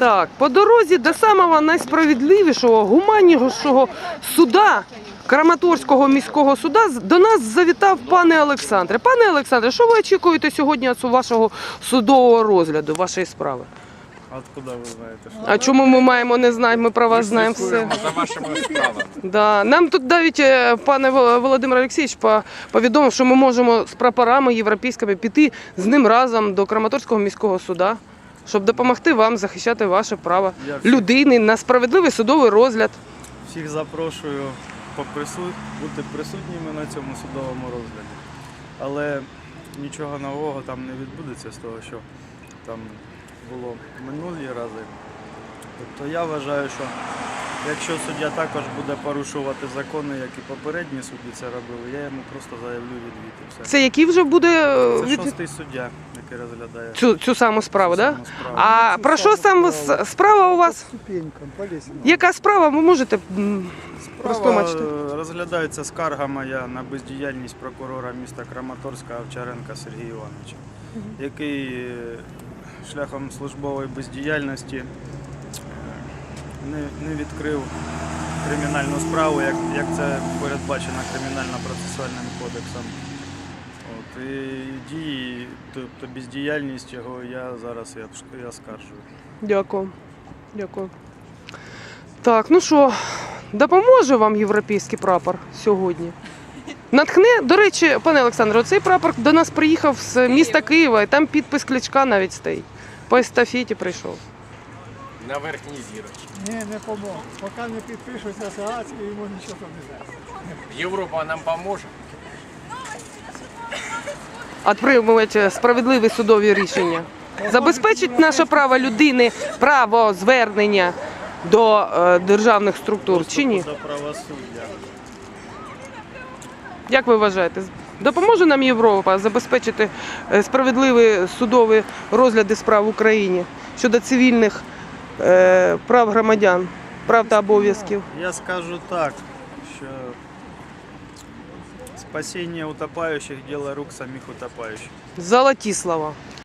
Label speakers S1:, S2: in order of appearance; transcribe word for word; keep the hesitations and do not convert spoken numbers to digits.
S1: Так, по дорозі до самого найсправедливішого, гуманнішого суда, Краматорського міського суда, до нас завітав пане Олександре. Пане Олександре, що ви очікуєте сьогодні від вашого судового розгляду, вашої справи?
S2: Откуда ви знаєте? Що?
S1: А чому ми маємо не знати, ми про вас знаємо все.
S3: За вашими справами.
S1: Да. Нам тут навіть е, пане Володимир Олексійович по- повідомив, що ми можемо з прапорами європейськими піти з ним разом до Краматорського міського суда, щоб допомогти вам захищати ваше право
S2: Я всіх,
S1: людини на справедливий судовий розгляд.
S2: всіх запрошую попрису- бути присутніми на цьому судовому розгляді. Але нічого нового там не відбудеться з того, що там було минулі рази. Тобто я вважаю, що якщо суддя також буде порушувати закони, як і попередні судді це робили, я йому просто заявлю відвід і все.
S1: Це який вже буде е,
S2: Це
S1: від-
S2: шостий суддя, який розглядає
S1: цю, цю саму справу,
S2: цю
S1: так?
S2: саму справу.
S1: А про що сам с- справа у вас?
S4: Ступенькам, по лестнице.
S1: Яка справа? Ви можете м,
S2: Справа
S1: розтлумачити?
S2: е, розглядається скарга моя на бездіяльність прокурора міста Краматорська Овчаренка Сергія Івановича, який е, шляхом службової бездіяльності е, не, не відкрив кримінальну справу, як, як це передбачено кримінально-процесуальним кодексом. От, і дії, тобто бездіяльність його я зараз я, я скаржую.
S1: Дякую. Дякую. Так, ну що, допоможе вам європейський прапор сьогодні? Натхне, до речі, пане Олександре, цей прапор до нас приїхав з міста Києва, і там підпис Кличка навіть стоїть. По естафеті прийшов.
S3: На верхній зірочці.
S4: Не, не помог. Пока не підпишуться Саацький, йому нічого не дасть.
S3: Європа нам поможе.
S1: Отримувати справедливі судові рішення. Забезпечить наше право людини, право звернення до е, державних структур чи ні?
S2: До правосуддя.
S1: Як ви вважаєте, допоможе нам Європа забезпечити е, справедливі судові розгляди справ в Україні щодо цивільних е, прав громадян, прав та обов'язків?
S2: Я скажу так, що спасіння утопаючих – діло рук самих утопаючих.
S1: Золоті слова.